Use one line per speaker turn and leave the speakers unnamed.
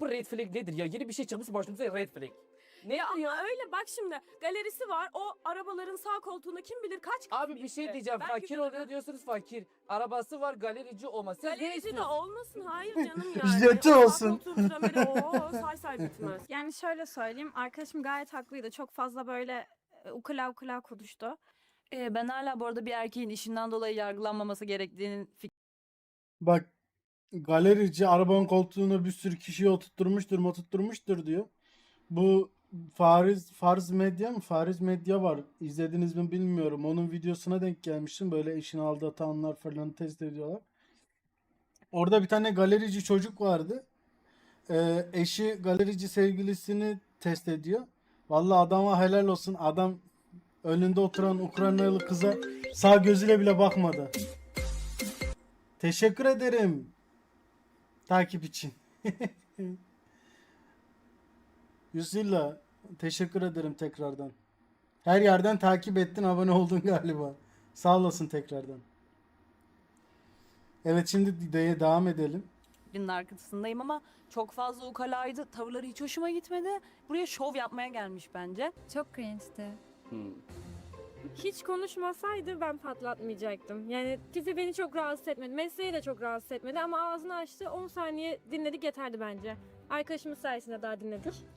bu red flag nedir ya? Yeni bir şey çıkmış başımıza red flag. Ne ya?
Öyle bak şimdi galerisi var. O arabaların sağ koltuğuna kim bilir kaç kişi
Abi bir şey
gitti.
diyeceğim.
Ben
Fakir
güvenemem.
oluyor diyorsunuz fakir. Arabası var galerici olmaz. Siz ne
Galerici de
istiyorsunuz?
olmasın. Hayır canım yani.
Jeti
O sağ
olsun.
koltuğun trameri say say bitmez.
Yani şöyle söyleyeyim, arkadaşım gayet haklıydı. Çok fazla böyle ukula ukula konuştu.
Ben hala bu arada bir erkeğin işinden dolayı yargılanmaması gerektiğinin
Bak galerici arabanın koltuğuna bir sürü kişiyi oturtturmuştur diyor. Bu Farz Medya mı? Fariz Medya var. İzlediniz mi bilmiyorum. Onun videosuna denk gelmiştim. Böyle eşini aldatanlar falan test ediyorlar. Orada bir tane galerici çocuk vardı. Eşi galerici sevgilisini test ediyor. Vallahi adama helal olsun. Adam önünde oturan Ukraynalı kıza sağ gözüyle bile bakmadı. Teşekkür ederim. Takip için. Yusilla teşekkür ederim tekrardan. Her yerden takip ettin, abone oldun galiba. Sağ olasın tekrardan. Evet, şimdi devam edelim.
fikrinin arkasındayım ama çok fazla ukalaydı. Tavırları hiç hoşuma gitmedi. Buraya şov yapmaya gelmiş bence.
Çok cringe'ti.
Hiç konuşmasaydı ben patlatmayacaktım. Yani tipi beni çok rahatsız etmedi. Mesleği de çok rahatsız etmedi ama ağzını açtı. 10 saniye dinledik yeterdi bence. Arkadaşımız sayesinde daha dinledik.